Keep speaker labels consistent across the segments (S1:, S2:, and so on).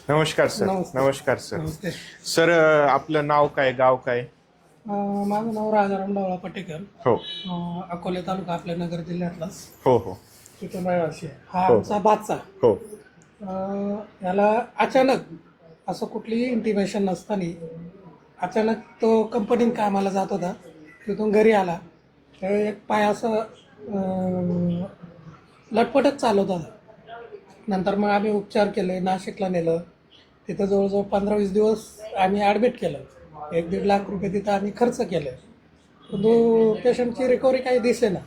S1: नमस्कार सर.
S2: नमस्ते.
S1: नमस्कार सर.
S2: नमस्ते.
S1: सर आपलं नाव काय, गाव काय?
S2: माझं नाव राजाराम डावळा पटेकर.
S1: हो
S2: अकोले तालुका आपल्या नगर जिल्ह्यातलाच.
S1: हो हो
S2: तिथून रहिवासी आहे. हा
S1: हो.
S2: आमचा बादचा.
S1: हो
S2: याला अचानक असं कुठलीही इंटिमेशन नसताना अचानक तो कंपनीत कामाला जात होता. तिथून घरी आला तर एक पाय असं लटपटच चालवत होता. नंतर मग आम्ही उपचार केले, नाशिकला नेलं. तिथं जवळजवळ 15-20 दिवस आम्ही ॲडमिट केलं. 1-1.5 लाख रुपये तिथं आम्ही खर्च केले. परंतु पेशंटची रिकव्हरी काही दिसेना.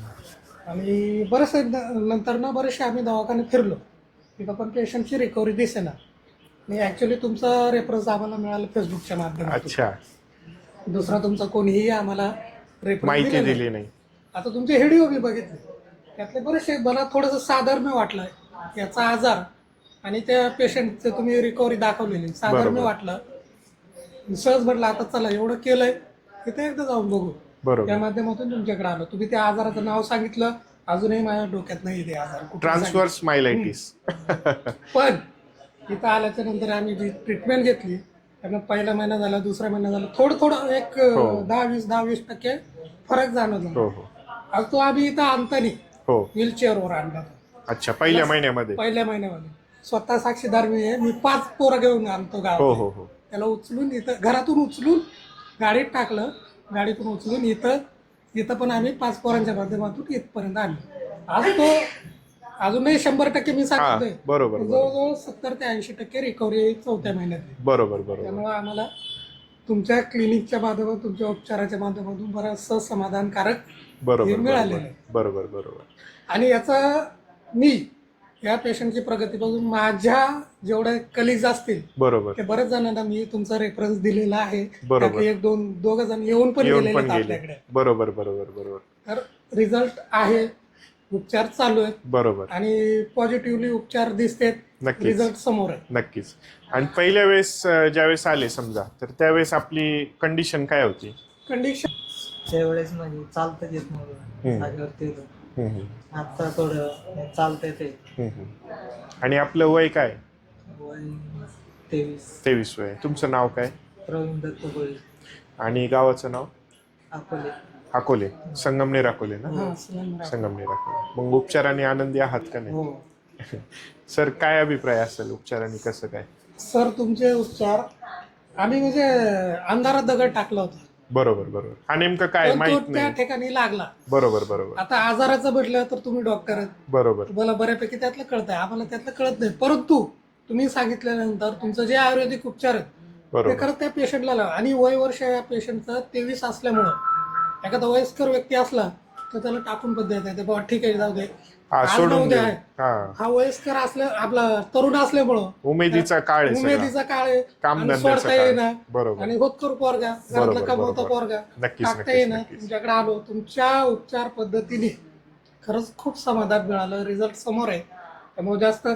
S2: आणि बरेचसे नंतर ना बरेचसे आम्ही दवाखाने फिरलो, तिथं पण पेशंटची रिकव्हरी दिसेना. आणि ॲक्च्युली तुमचा रेफरन्स आम्हाला मिळाला फेसबुकच्या माध्यमातून.
S1: अच्छा.
S2: दुसरा तुमचा कोणीही आम्हाला रेफरन्स
S1: माहिती दिली नाही.
S2: आता तुमचे व्हिडिओ मी बघितले, त्यातले बरेचसे मला थोडंसं साधर्म्य वाटलं याचा आजार आणि त्या पेशंटचं तुम्ही रिकव्हरी दाखवलेली साधर्म्य
S1: बरोबर.
S2: वाटलं. सहज म्हटलं आता चला एवढं केलंय तिथे एकदा जाऊन बघू.
S1: बरोबर.
S2: त्या माध्यमातून तुमच्याकडे आलो. तुम्ही त्या आजाराचं नाव सांगितलं, अजूनही माझ्या डोक्यात नाही ते आजार कुठला
S1: ट्रान्सव्हर्स मायलायटिस.
S2: पण इथं आल्याच्या नंतर आम्ही जी ट्रीटमेंट घेतली त्यांना पहिला महिना झाला, दुसरा महिना झाला, थोडं थोडं एक
S1: हो.
S2: 10-20% फरक जाणवला.
S1: हो हो
S2: आज तो आम्ही इथं आणतानी
S1: हो.
S2: व्हीलचेअरवर आणला.
S1: अच्छा, पहिल्या महिन्यामध्ये.
S2: पहिल्या महिन्यामध्ये स्वतः साक्षीदार मी आहे. मी 5 पोरं घेऊन आणतो
S1: हो
S2: गावात.
S1: हो हो.
S2: त्याला उचलून इथं घरातून उचलून गाडीत टाकलं, गाडीतून उचलून इथं पण आम्ही 5 पोरांच्या माध्यमातून इथपर्यंत आणलं. आज तो अजूनही 100% मी सांगतोय.
S1: बरोबर.
S2: जवळजवळ 70 ते 80% रिकव्हरी चौथ्या महिन्यात.
S1: बरोबर बरोबर.
S2: त्यामुळे आम्हाला तुमच्या क्लिनिकच्या माध्यमातून, तुमच्या उपचाराच्या माध्यमातून बरंचसं समाधानकारक
S1: बरोबर
S2: मिळालेलं आहे.
S1: बरोबर बरोबर.
S2: आणि याचा मी या पेशंटची प्रगती बघून माझ्या जेवढे कलिग्स असतील
S1: बरोबर.
S2: ते बरेच जणांना मी तुमचा रेफरन्स दिलेला आहे.
S1: बरोबर.
S2: त्यातले 1-2 जण येऊन पण गेलेले
S1: गेले.
S2: आपल्याकडे.
S1: बरोबर बरोबर बरोबर.
S2: तर रिझल्ट आहे, उपचार चालू आहेत
S1: बरोबर.
S2: आणि पॉझिटिव्हली उपचार दिसतेत,
S1: नक्कीच.
S2: रिझल्ट समोर आहे.
S1: नक्कीच. आणि पहिल्या वेळेस ज्यावेळेस आले समजा, तर त्यावेळेस आपली कंडिशन काय होती?
S2: कंडिशन
S3: त्यावेळेस म्हणजे चालता येत नव्हतं, जागेवरती होतो. आता थोडं चालता येते.
S1: आणि आपलं वय काय?
S3: वय 23.
S1: 23 वय. तुमचं नाव काय?
S3: प्रवीण दत्त गोळी,
S1: आणि गावाचं नाव?
S3: अकोले.
S1: अकोले. संगमनेर अकोले ना?
S2: हा, सिलेंडर.
S1: संगमनेर अकोले. मग उपचाराने आनंदी आहात का नाही?
S2: हो
S1: सर, काय अभिप्राय असेल उपचाराने, कसं काय?
S2: सर, तुमचे उपचार आम्ही म्हणजे अंधारात दगड टाकला होता.
S1: बरोबर बरोबर. हा नेमकं काय
S2: पण तो
S1: माहित
S2: त्या
S1: नाही.
S2: ठिकाणी लागला.
S1: बरोबर बरोबर
S2: आता आजाराचं म्हटलं तर तुम्ही डॉक्टर आहेत,
S1: बरोबर.
S2: तुम्हाला बऱ्यापैकी त्यातलं कळतंय, आम्हाला त्यातलं कळत नाही. परंतु तुम्ही सांगितल्यानंतर तुमचं जे आयुर्वेदिक उपचार आहेत ते
S1: बरोबर
S2: खरंच त्या पेशंटला लावा. आणि वय वर्ष या पेशंटचं 23 असल्यामुळं एखादा वयस्कर व्यक्ती असला तर त्याला टाकून पद्धत आहे, बाबा ठीक आहे जाऊ दे,
S1: हा,
S2: आज
S1: सोडून
S2: ना उद्या
S1: देऊ.
S2: आहे.
S1: हा,
S2: हा वयस्कर असल्या आपला तरुण असल्यामुळं
S1: उमेदीचा काळ आहे सगळा.
S2: उमेदीचा काळ आहे आणि
S1: कामधंद्याचा
S2: सोडता
S1: काळ.
S2: येईना.
S1: बरोबर.
S2: आणि होतकरू पोरगा, घरातला
S1: बरोबर,
S2: कमवता
S1: बरोबर.
S2: पोरगा,
S1: नक्कीच,
S2: टाकता
S1: नक्कीच,
S2: येईना.
S1: नक्कीच.
S2: तुमच्याकडे आलो, तुमच्या उपचार पद्धतीने खरंच खूप समाधान मिळालं, रिझल्ट समोर आहे. त्यामुळे जास्त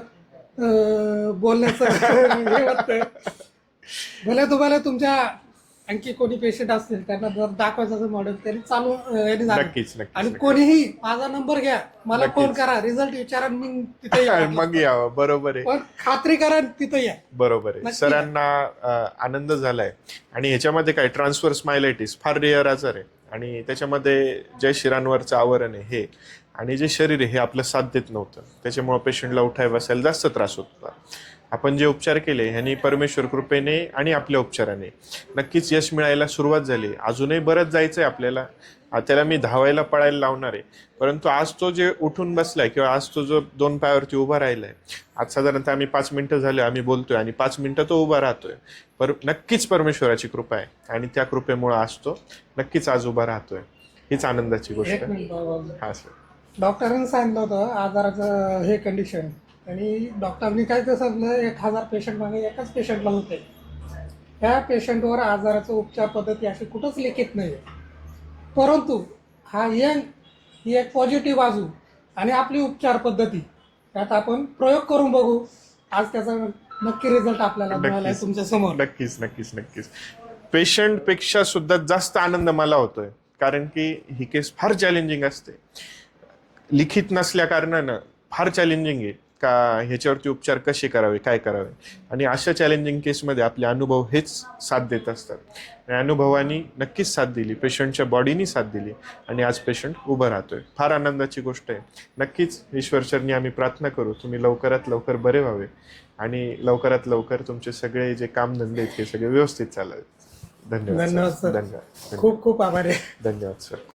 S2: बोलण्याचं हे वाटतंय. भले तुम्हाला तुमच्या आणखी कोणी पेशंट असतील त्यांना जर दाखवायचं असं मॉडेल तरी चालू यांनी झालं.
S1: नक्कीच
S2: आणि
S1: नक्कीच.
S2: कोणीही माझा नंबर घ्या, मला
S1: नक्कीच.
S2: फोन करा, रिझल्ट विचारा, मी तिथे येईन.
S1: मग यावं. बरोबर आहे.
S2: पण खात्री करा तिथे या.
S1: बरोबर आहे.
S2: नक्की.
S1: सरांना आनंद झालाय. आणि ह्याच्यामध्ये काय, ट्रान्सव्हर्स मायलायटिस फार रेअर आजार आहे. आणि त्याच्यामध्ये जे शिरांवरचं आवरण आहे हे आणि जे शरीर आहे हे आपलं साथ देत नव्हतं. त्याच्यामुळे पेशंटला उठाय बसायला जास्त त्रास होत होता. आपण जे उपचार केले ह्यांनी परमेश्वर कृपेने आणि आपल्या उपचाराने नक्कीच यश मिळायला सुरुवात झाली. अजूनही बरंच जायचं आहे आपल्याला. त्याला मी धावायला पळायला लावणार आहे. परंतु आज तो जे उठून बसलाय किंवा आज तो जो 2 पायावरती उभा राहिलाय, आज साधारणतः आम्ही 5 मिनिटं झाले आम्ही बोलतोय आणि 5 मिनिटं तो उभा राहतोय. नक्कीच परमेश्वराची कृपा आहे आणि त्या कृपेमुळे आज तो नक्कीच आज उभा राहतोय. हीच आनंदाची गोष्ट
S2: एक
S1: आहे.
S2: मिनिट बाबा.
S1: हा सर.
S2: डॉक्टरांनी सांगितलं होतं आजाराचं हे कंडिशन, आणि डॉक्टरांनी काय ते सांगितलं, 1000 पेशंट मागे एकाच पेशंटला होते. त्या पेशंटवर आजाराचं उपचार पद्धती अशी कुठंच लिखित नाही. परंतु हा ही एक पॉझिटिव्ह बाजू आणि आपली उपचार पद्धती त्यात आपण प्रयोग करून बघू. आज त्याचा नक्की रिझल्ट आपल्याला मिळाला आहे तुमच्या समोर.
S1: नक्कीच नक्कीच नक्कीच. पेशंटपेक्षा सुद्धा जास्त आनंद मला होतोय, कारण की ही केस फार चॅलेंजिंग असते. लिखित नसल्या कारणानं फार चॅलेंजिंग आहे. का ह्याच्यावरती उपचार कसे करावे, काय करावे. आणि अशा चॅलेंजिंग केसमध्ये आपले अनुभव हेच साथ देत असतात. आणि अनुभवानी नक्कीच साथ दिली, पेशंटच्या बॉडीनी साथ दिली आणि आज पेशंट उभं राहतोय. फार आनंदाची गोष्ट आहे. नक्कीच ईश्वरचरणी आम्ही प्रार्थना करू तुम्ही लवकरात लवकर बरे व्हावे आणि लवकरात लवकर तुमचे सगळे जे कामधंदे आहेत हे सगळे व्यवस्थित चालावेत. धन्यवाद
S2: धन्यवाद
S1: सर.
S2: सर.
S1: धन्यवाद.
S2: खूप खूप आभार आहे.
S1: धन्यवाद सर.